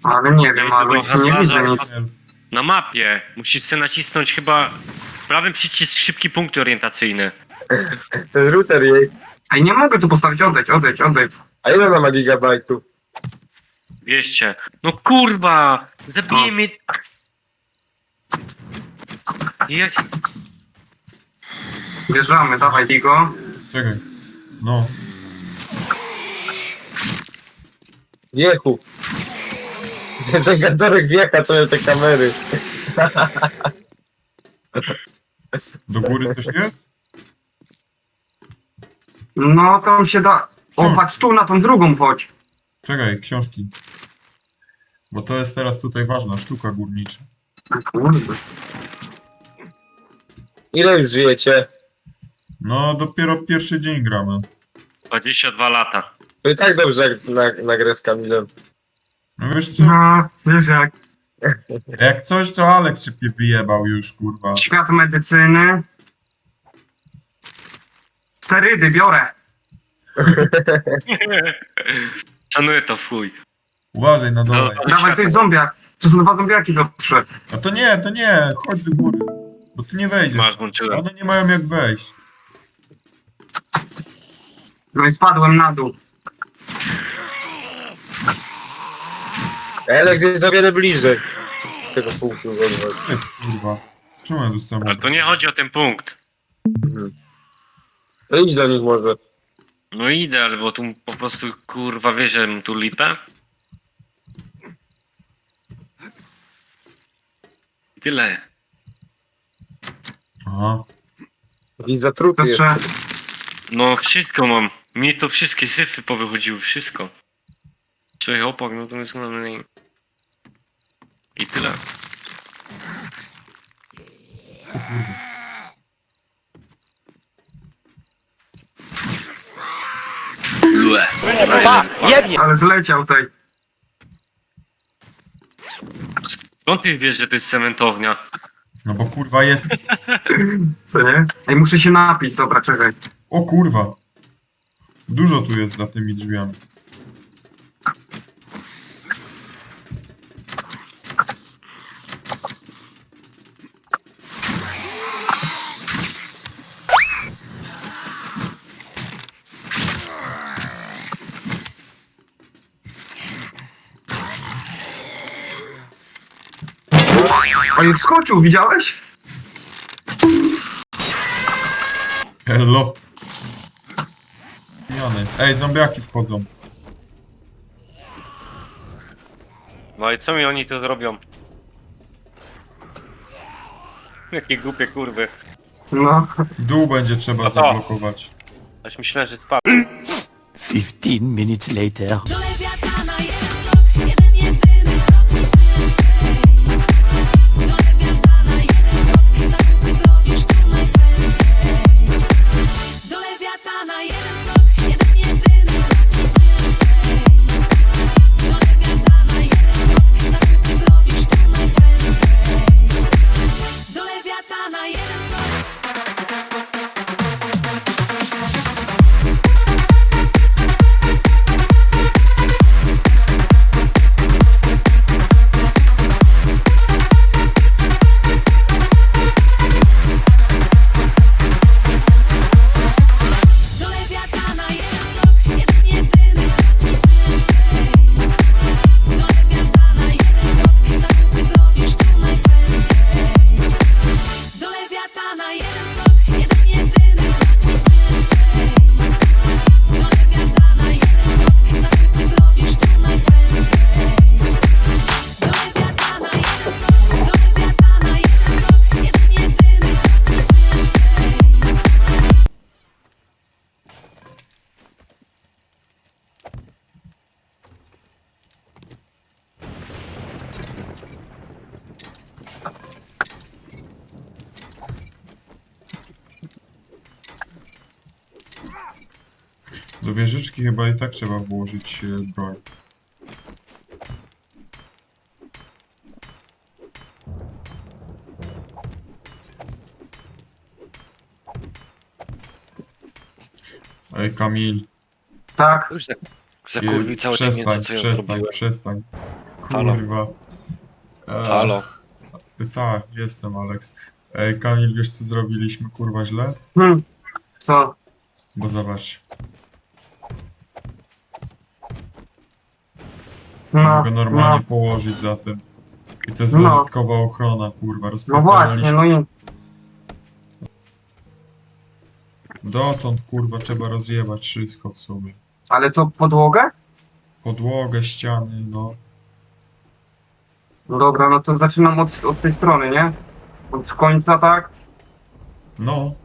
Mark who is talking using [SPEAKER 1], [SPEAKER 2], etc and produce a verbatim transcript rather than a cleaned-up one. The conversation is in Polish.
[SPEAKER 1] Ale nie wiem,
[SPEAKER 2] Ja
[SPEAKER 1] ale
[SPEAKER 2] idę do
[SPEAKER 1] nie
[SPEAKER 2] handlarza.
[SPEAKER 1] widzę nic.
[SPEAKER 2] Na mapie musisz sobie nacisnąć chyba prawym przycisk szybki punkty orientacyjne.
[SPEAKER 3] Ten router jej.
[SPEAKER 1] Ej, nie mogę tu postawić, odejdź, odejdź, odejdź.
[SPEAKER 3] A ile ona ma gigabajtów?
[SPEAKER 2] dwieście. No kurwa! Zabije
[SPEAKER 1] O.
[SPEAKER 2] mnie. Jak...
[SPEAKER 1] Wjeżdżamy, dawaj, Digo.
[SPEAKER 4] Czekaj. No.
[SPEAKER 3] Wiechu. Ten zegarek wiecha, co miał te kamery.
[SPEAKER 4] Do góry coś jest?
[SPEAKER 1] No, tam się da... O,
[SPEAKER 4] Hmm.
[SPEAKER 1] patrz tu, na tą drugą chodź.
[SPEAKER 4] Czekaj, książki. Bo to jest teraz tutaj ważna sztuka górnicza.
[SPEAKER 1] Kurde.
[SPEAKER 3] Ile już żyjecie?
[SPEAKER 4] No, dopiero pierwszy dzień gramy.
[SPEAKER 2] dwadzieścia dwa lata.
[SPEAKER 3] To i tak dobrze jak na, na grę z Kamilem.
[SPEAKER 4] No wiesz co?
[SPEAKER 1] No, wiesz jak.
[SPEAKER 4] Jak coś, to Alex szybkie wyjebał już, kurwa.
[SPEAKER 1] Świat medycyny. Sterydy biorę.
[SPEAKER 2] Szanuję to w chuj.
[SPEAKER 4] Uważaj na dole.
[SPEAKER 2] No.
[SPEAKER 1] Dawaj, to jest zombiak. To są dwa zombiaki do trzy.
[SPEAKER 4] A to nie, to nie, chodź do góry. Bo tu nie wejdziesz.
[SPEAKER 2] Masz, włączyłem.
[SPEAKER 4] One nie mają jak wejść.
[SPEAKER 1] No i spadłem na dół.
[SPEAKER 3] Alex jest o wiele bliżej tego punktu od was.
[SPEAKER 4] Co jest, kurwa? Czemu ja dostałem?
[SPEAKER 2] Ale to nie chodzi o ten punkt.
[SPEAKER 3] Mhm. To idź do nich może.
[SPEAKER 2] No idę, ale bo tu po prostu kurwa wiesz, że mam tu lipę. I tyle.
[SPEAKER 4] Aha.
[SPEAKER 3] Jakiś zatruty
[SPEAKER 1] To
[SPEAKER 3] jest.
[SPEAKER 1] trzeba...
[SPEAKER 2] No wszystko mam. Mi to wszystkie syfy powychodziły, wszystko. Człowiek opak, no to jest na mnie. I tyle.
[SPEAKER 4] O kurwa.
[SPEAKER 2] Lue.
[SPEAKER 1] Ale zleciał tej.
[SPEAKER 2] Skąd ty wiesz, że to jest cementownia?
[SPEAKER 4] No bo kurwa jest...
[SPEAKER 1] Co nie? Ej, muszę się napić, dobra, czekaj.
[SPEAKER 4] O kurwa. Dużo tu jest za tymi drzwiami.
[SPEAKER 1] Oj, wskoczył, widziałeś?
[SPEAKER 4] Hello. Pijany. Ej, zombiaki wchodzą.
[SPEAKER 2] No i co mi oni tu zrobią? Jakie głupie kurwy.
[SPEAKER 1] No.
[SPEAKER 4] Dół będzie trzeba
[SPEAKER 2] No to.
[SPEAKER 4] zablokować.
[SPEAKER 2] Aż myślałem, że spadł.
[SPEAKER 5] Fifteen minutes later.
[SPEAKER 6] Do lewiatana jeden krok, jeden jedyny krok, nic więcej. Do lewiatana jeden krok, zakupy zrobisz tu najprędzej. Do lewiatana jeden krok, jeden jedyny krok, nic więcej. Do lewiatana jeden krok, zakupy zrobisz tu najprędzej. Do lewiatana jeden krok. Do lewiatana jeden krok, jeden jedyny krok, nic więcej. Do lewiatana jeden krok, zakupy zrobisz tu najprędzej. Do lewiatana jeden krok, jeden jedyny krok, nic więcej. Do lewiatana jeden krok, zakupy zrobisz tu najprędzej. Do lewiatana jeden krok, do lewiatana jeden krok, jeden jedyny krok, nic więcej.
[SPEAKER 4] Do wieżyczki chyba i tak trzeba włożyć e, broń. Ej, Kamil.
[SPEAKER 1] Tak.
[SPEAKER 2] Już zakurwił cały ten
[SPEAKER 4] przestań,
[SPEAKER 2] mięso, co ja
[SPEAKER 4] przestań,
[SPEAKER 2] zrobiłem.
[SPEAKER 4] przestań.
[SPEAKER 2] Halo.
[SPEAKER 4] Kurwa. E,
[SPEAKER 2] Halo.
[SPEAKER 4] Tak, jestem, Alex. Ej, Kamil, wiesz co zrobiliśmy, kurwa, źle?
[SPEAKER 1] Hmm. Co?
[SPEAKER 4] Bo zobacz,
[SPEAKER 1] No,
[SPEAKER 4] mogę normalnie
[SPEAKER 1] no,
[SPEAKER 4] położyć za tym. I to jest
[SPEAKER 1] No.
[SPEAKER 4] dodatkowa ochrona, kurwa,
[SPEAKER 1] no właśnie,
[SPEAKER 4] rozpierdolaliśmy.
[SPEAKER 1] no i...
[SPEAKER 4] Dotąd, kurwa, trzeba rozjebać wszystko w sumie.
[SPEAKER 1] Ale to podłogę?
[SPEAKER 4] Podłogę, ściany, no.
[SPEAKER 1] No dobra, no to zaczynam od, od tej strony, nie? Od końca, tak?
[SPEAKER 4] No,